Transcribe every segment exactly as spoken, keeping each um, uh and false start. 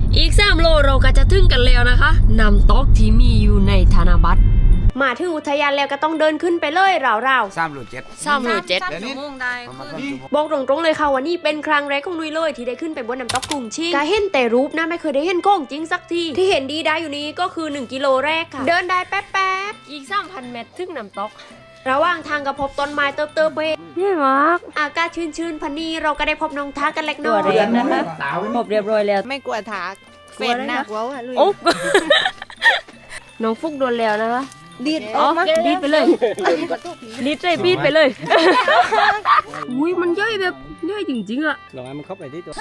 อีกสามโลเราก็จะถึงกันแล้วนะคะน้ำตกที่มีอยู่ในธนบัตรมาถึงอุทยานแล้วก็ต้องเดินขึ้นไปเลยราวๆสามหรือเจ็ดสามโลเจ็ดบอกตรงๆเลยค่ะว่านี่เป็นครั้งแรกของนุ้ยเลยที่ได้ขึ้นไปบนน้ำตกกรุงชิงก็เห็นแต่รูปนะไม่เคยได้เห็นของจริงสักทีที่เห็นดีได้อยู่นี้ก็คือหนึ่งกิโลแรกค่ะเดินได้แป๊บๆอีก สามพัน เมตรถึงน้ำตกระหว่างทางก็พบต้นไม้เติบเติบเพเย่มากอากาศชื้นๆพันนี้เราก็ได้พบน้องทักกันเล็กน้อยตัวเรียนนะคะพบเรียบร้อยแล้วไม่กลัวถากเฟนหนักว้าวลุยโอ๊ น้องฟุกโดนแล้วนะคะดีดอ๋อดีดไปเลยดีดใจปีดไปเลยอุ้ยมันย่อยแบบย่อยจริงๆอะลองให้มันเข้าไปที่ตัว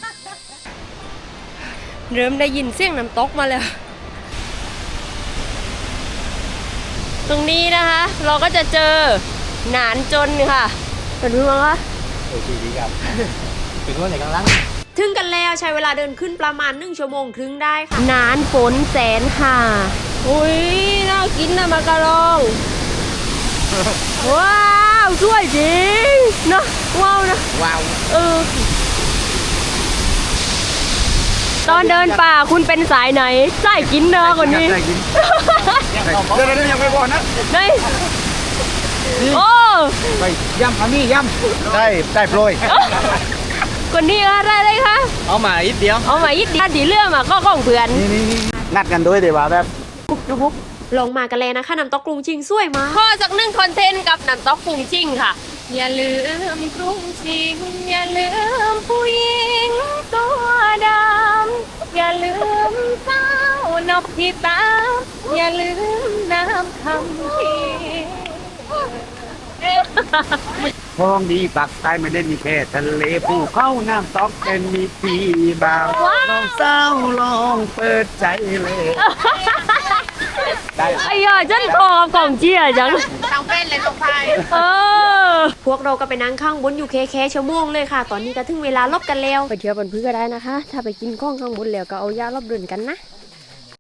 เริ่มได้ยินเสียงน้ำตกมาแล้วตรงนี้นะคะเราก็จะเจอหนานจนค่ะเป็นรู้มั้งคะโอ้ดีดีครับเป็นว่าไหนกำลังถึงกันแล้วใช้เวลาเดินขึ้นประมาณหนึ่งชั่วโมงครึ่งได้ค่ะหนานฝนแสนค่ะอุ้ยน่ากินนะมากะลองว้าวสวยจริงเนาะว้าวนะว้าวเออตอนเดินป่าคุณเป็นสายไหนสายกินเนอะคนนี้สายกินเดี๋ยวเดี๋ยวยังไม่บอกนะได้โอ้ไปย่ำอามี่ย่ำได้ได้โปรยคนนี้อะไรเลยคะเอามาอีกเดียวเอามาอีกเดียวดีเรื่องมาก็ของเพื่อนนัดกันด้วยเดี๋ยวว่าแบบปุ๊บปุ๊บลงมากันเลยนะคะน้ำตกกรุงชิงสวยมากข้อสักหนึ่งคอนเทนต์กับน้ำตกกรุงชิงค่ะอย่าลืมกรุงชิงอย่าลืมผู้หญิงตัวดำอย่าลืมเจ้านกที่ตามอย่าลืมน้ำคำพีท้องดีปักใต้ไม่ได้มีแค่ทะเลภูเขาน้ำตกเป็นมีปีบ่าวน้องสาวลองเปิดใจเลยได้ไอ้ยาฉันคอกล่องเจี๊ยจังทางเป็นเลยตรงไปเออพวกเราก็ไปนั่งข้างบนอยู่แค่ๆชั่วโมงเลยค่ะตอนนี้ก็ถึงเวลาลบกันแล้วไปเที่ยวบนพื้นก็ได้นะคะถ้าไปกินข้องข้างบนแล้วก็เอายาลบเดินกันนะ